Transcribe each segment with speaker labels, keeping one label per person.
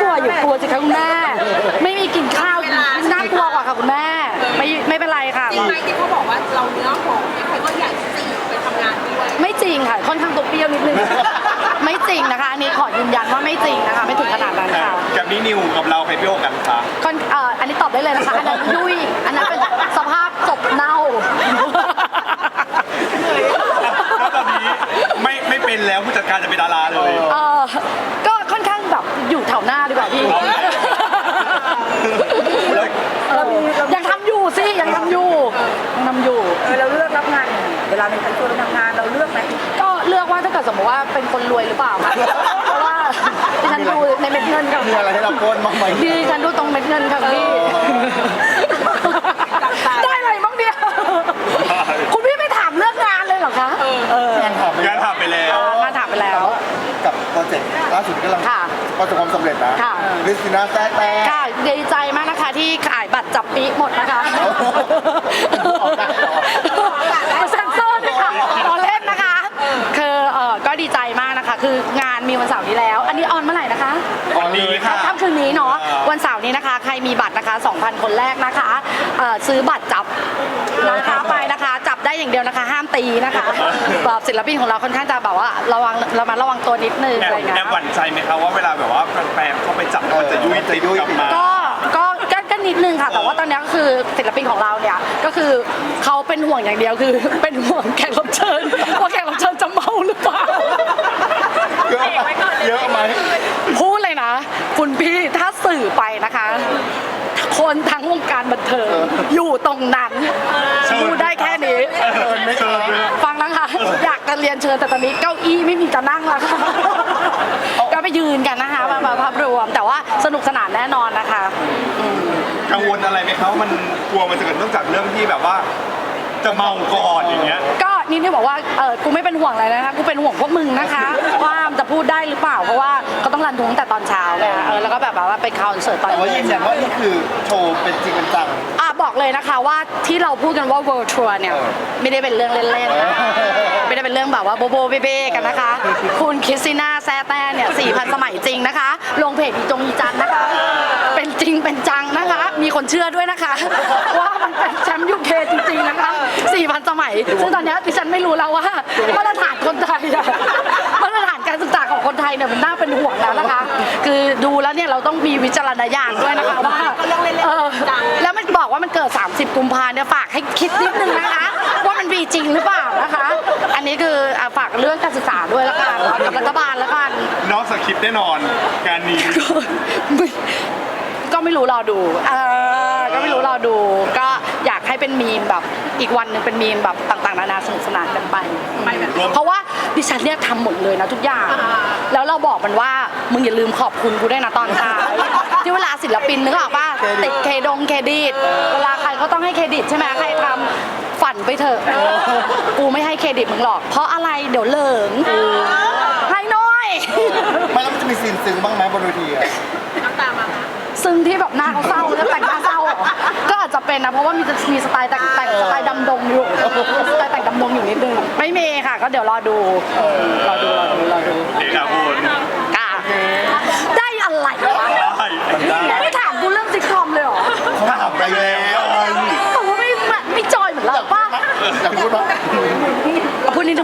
Speaker 1: วอยู่กลัวสิคะคุณแม่ไม่มีกินข้าวน่ากลัวกว่าค่ะคุณแม่ไม่เป็นไรค่ะ
Speaker 2: จริงไหมที่เขาบอกว่าเราเนื้อหอมใครก็อยากจีบไปทำงานด้วย
Speaker 1: ไม่จริงค่ะค่อนข้างตัวเปรี้ยวนิดนึงไม่จริงนะคะอันนี้ขอยืนยันว่าไม่จริงนะคะไม่ถึงขนาดนั้นค่ะ
Speaker 3: กับนี้นิวกับเราใครเปรี้ยวกันคะ
Speaker 1: อันนี้ตอบได้เลยนะคะอันนั้นยุ่ยอันนั้นเป็นสภาพศพเน่า
Speaker 3: แล้วตอนนี้ไม่เป็นแล้วผู้จัดการจะเป็นดาราเลย
Speaker 1: ก็ค่อนข้างแบบอยู่แถวหน้าดีกว่าพี่ยังทำอยู่สิยังทำอยู่
Speaker 2: เราเลือกรับงานยังไงเวลาเป็นใครชวนเราทำงานเราเลือกไหม
Speaker 1: ก็เลือกว่าถ้าเกิดสมมติว่าเป็นคนรวยหรือเปล่าเพราะว่าดิฉันดูในเม็ดเงินค่ะ
Speaker 4: มีอะไรให้เราโกนบ้างไหม
Speaker 1: ดิฉันดูตรงเม็ดเงินค่ะพี่ได้อะไรบ้างเนี่ยคุณพี่ไม่ถามเรื่องงานเลยเหรอคะ
Speaker 4: งานถาม
Speaker 3: งานถามไปแล้ว
Speaker 1: งานถามไปแล้ว
Speaker 4: กับโปรเจกต์ล่าสุดที่กำลัง
Speaker 1: ค่ะ
Speaker 4: ประสบความสำเร็จนะ
Speaker 1: ค่ะ
Speaker 4: คริสติน่าแซ่แต่
Speaker 1: ค่ะดีใจมากนะคะที่ขายบัตรจับปีหมดนะคะเซ็นเซอร์ด้วยค่ะตอนเล่นนะคะคือก็ดีใจมากนะคะคืองานมีวันเสาร์นี้แล้ว อันนี้ออนเมื่อไหร่นะคะ
Speaker 3: วันนี้ค่ะ
Speaker 1: ค่ำคืนนี้เนาะวันเสาร์นี้นะคะใครมีบัตรนะคะ 2,000 คนแรกนะคะซื้อบัตรจับนะคะไปนะคะจับได้อย่างเดียวนะคะห้ามตีนะคะแบบศิลปินของเราค่อนข้างจะแบบว่าระวังตัวนิดนึงอะไรเงี้ย
Speaker 3: แอบหวั่นใจไหมคะว่าเวลาแบบว่าแฟนๆเข้าไปจับมันจะยุ่ยติดกลับมา
Speaker 1: ก็นิดนึงค่ะแต่ว่าตอนนี้ก็คือศิลปินของเราเนี่ยก็คือเขาเป็นห่วงอย่างเดียวคือเป็นห่วงแขกรับเชิญว่าแขกรับเชิญจะเมาหรือเปล่า
Speaker 4: เยอะไหม
Speaker 1: พูดเลยนะคุณพี่ถ้าสื่อไปนะคะ คนทั้งวงการบันเทิงอยู่ตรงนั้นพูดได้แค่นี้
Speaker 4: ไม่เชิญเลย
Speaker 1: ฟังนะคะอยากจะเรียนเชิญแต่ตอนนี้เก้าอี้ไม่มีจะนั่งแล้วค่ะก็ไปยืนกันนะคะมาภาพรวมแต่ว่าสนุกสนานแน่นอนนะคะ
Speaker 3: กังวลอะไรไหมคะว่ามันกลัวมันจะเกิดเนื่องจากเรื่องที่แบบว่าจะเมาก่อนอย่างเงี้ย
Speaker 1: ก็นี่ที่บอกว่ากูไม่เป็นห่วงอะไรนะคะกูเป็นห่วงพวกมึงนะคะว่ามันจะพูดได้หรือเปล่าเพราะว่าเขาต้องรันทุงแต่ตอนเช้าไงแล้วก็แบบว่าไปคอนเสิร์ตตอน
Speaker 4: แต่ว่ายื
Speaker 1: เย็
Speaker 4: น
Speaker 1: น
Speaker 4: ยันว่านี่คือโชว์เป็นจริงเป็นจัง
Speaker 1: บอกเลยนะคะว่าที่เราพูดกันว่า World Tour เนี่ยไม่ได้เป็นเรื่องเล่นๆนะคะไม่ได้เป็นเรื่องแบบว่าโบโบเบ้ๆกันนะคะ คุณคริสติน่าแซ่แต่เนี่ย 4,000 สมัยจริงนะคะ ลงเพจอีจันนะคะ เป็นจริงเป็นจังนะคะ มีคนเชื่อด้วยนะคะ ว่ามันเป็นแชมป์ยูเคจริงๆนะคะ 4,000 สมัย ซึ่งตอนนี้ดิฉันไม่รู้แล้วว่ามาตรฐานคนไทยอะมาตรฐานการศึกษาของคนไทยเนี่ยมันน่าเป็นห่วงแล้วนะคะ คือดูแล้วเนี่ยเราต้องมีวิจารณญาณด้วยนะคะว่าแล้วมันบอกว่ามันเกิด 30 กุมภาเนี่ยฝากให้คิดนิดนึงนะคะ ว่ามันมีจริงหรือเปล่านะคะ อันนี้คือฝากเรื่องการศึกษาด้วยแล้วกันกับรัฐบาลแล้วกัน
Speaker 3: นอกสคริปต์แน่นอนการนี้
Speaker 1: ก็ไม่รู้รอดูก็ไม่รู้รอดู ก็อยากให้เป็นมีมแบบอีกวันหนึ่งเป็นมีมแบบต่างๆนานาสนุกสนานกันไปเพราะว่าดิฉันเนี่ยทำหมดเลยนะทุกอย่างแล้วเราบอกมันว่ามึงอย่าลืมขอบคุณกูด้วยนะตอนท้ายที่เวลาศิลปินนึกออกป่ะติดเครดิตเวลาใครก็ต้องให้เครดิตใช่ไหมใครทำฝันไปเถอะกูไม่ให้เครดิตมึงหรอกเพราะอะไรเดี๋ยวเหลิงให้น้อย
Speaker 4: ไม่แล้วมันจะมีซีนซึ้งบ้างไหมบนเวทีอะ
Speaker 2: น้ำตามา
Speaker 1: ซึ่งที่แบบหน้าเขาเศร้าแล้วแต่งหน้าเศร้าก็อาจจะเป็นนะเพราะว่ามีสไตล์แต่งสไตล์ดำดงอยู่สไตล์แต่งดำดงอยู่นิดนึงไม่มีค่ะก็เดี๋ยวรอดูรอดู
Speaker 3: เด็กอะคุณ
Speaker 1: กาได้อะไรวะไม่ถามกูเรื่องซิทคอมเลยเหรอ
Speaker 4: เขาถามไปแล้ว
Speaker 1: แต่ว่าไม่จอยเหมือนเราป่ะ
Speaker 4: อยากพูดว่า
Speaker 1: พูดนิดนึง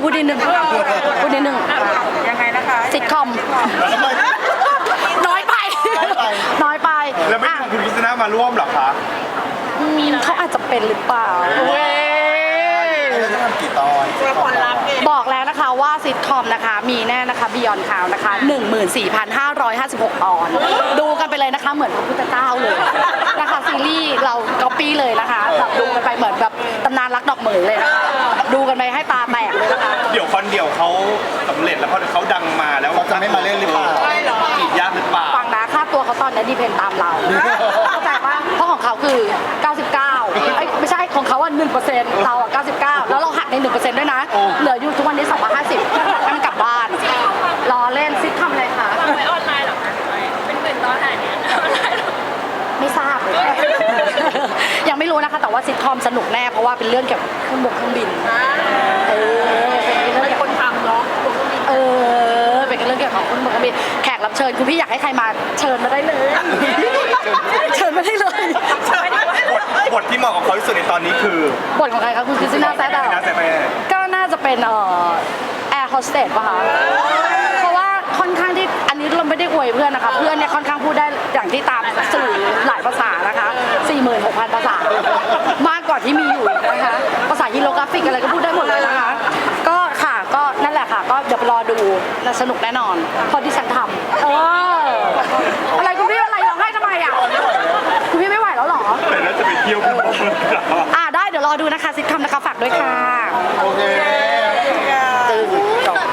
Speaker 2: ยังไงนะคะ
Speaker 1: ซิทคอม
Speaker 4: ทำไม
Speaker 1: น้อยไปน้อยไป
Speaker 3: แล้วไม่ชวนคุณคริสติน่ามาร่วมเหรอคะ
Speaker 1: เขาอาจจะเป็นหรือเปล่าเว้ย
Speaker 4: เราจะทำกี่ตอน
Speaker 2: ละครลับเอง
Speaker 1: บอกแล้วนะคะว่าซิทคอมนะคะมีแน่นะคะบิยอนข่าวนะคะ 14,556 ตอน ดูกันไปเลยนะคะเหมือนพระพุทธเจ้าเลยนะคะซีรีส์เราก๊อปปี้เลยนะคะแบบดูกันไปเหมือนแบบตำนานรักดอกเหมยเลยนะคะดูกันไปให้ตาแตกเลยนะคะ
Speaker 3: เดี๋ยวคอนเดี่ยวเขาสำเร็จแล้วเขาดังมาแล้ว
Speaker 4: เขาจะไม่มาเล่นหรือเปล่า
Speaker 3: จีบยากหรือเปล่า
Speaker 1: ฟังนะค่าตัวเขาตอนนี้ดีเพนตามเราเข้าใจปะเพราะของเขาคือ 99ไม่ใช่ของเขาอ่ะ 1% เราอ่ะ 99 แล้วเราหักใน 1% ด้วยนะ เหลืออยู่ทุกวันนี้ 250ให้มันกลับบ้านรอเล่นซิททำอะไรคะ
Speaker 2: ไว้ออนไลน์หรอคะเป็นหมื่นตอนไหนเนี่ยออนไลน์
Speaker 1: ไม่ทราบเลยยังไม่รู้นะคะแต่ว่าซิทคอมสนุกแน่เพราะว่าเป็นเรื่องเกี่ยวกับเครื่องบกเครื่องบินเป็นเรื่องเกี่ยวกับ
Speaker 2: คนทำเนาะ
Speaker 1: เป็นเรื่องเกี่ยวกับเครื่องบกเครื่องบินแขกรับเชิญคุณพี่อยากให้ใครมาเชิญมาได้เลย เชิญมาได้เลย
Speaker 3: บทที่เหมาะกับเขาที่สุดในตอนนี้คือบ
Speaker 1: ทของใครคะคุณคริสติน่าแซด
Speaker 3: นะแต่แม่
Speaker 1: ก็น่าจะเป็นแอร์โฮสเตสป่ะคะเพราะว่าค่อนข้างที่อันนี้เราไม่ได้อวยเพื่อนนะคะเพื่อนเนี่ยค่อนข้างพูดได้อย่างที่ตามสื่อหลายภาษานะคะ 46,000 ภาษามากกว่าที่มีอยู่อีกนะคะภาษาฮีโรกราฟิกอะไรก็พูดได้หมดเลยนะคะก็ค่ะก็นั่นแหละค่ะก็เดี๋ยวไปรอดูและสนุกแน่นอนเพราะที่ฉันทำอะไรคุณพี่อะไรร้องไห้ทำไมอ่ะคุณพี่ไม่ไหวแล้วเหรอ
Speaker 3: แต่แล้วจะไปเที่ยวกันบ้าง
Speaker 1: ได้เดี๋ยวรอดูนะคะซิทคอมนะคะฝากด้วยค่ะ
Speaker 4: โอเค
Speaker 1: ตื่นจบ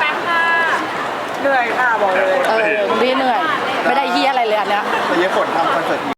Speaker 2: เหนื่อยค่ะบอกเลย
Speaker 1: คุณพี่เหนื่อย ไม่ได้เฮียอะไรเลยอันเนี้ย
Speaker 4: แต่เย้ฝนทำคอนเสิร์ต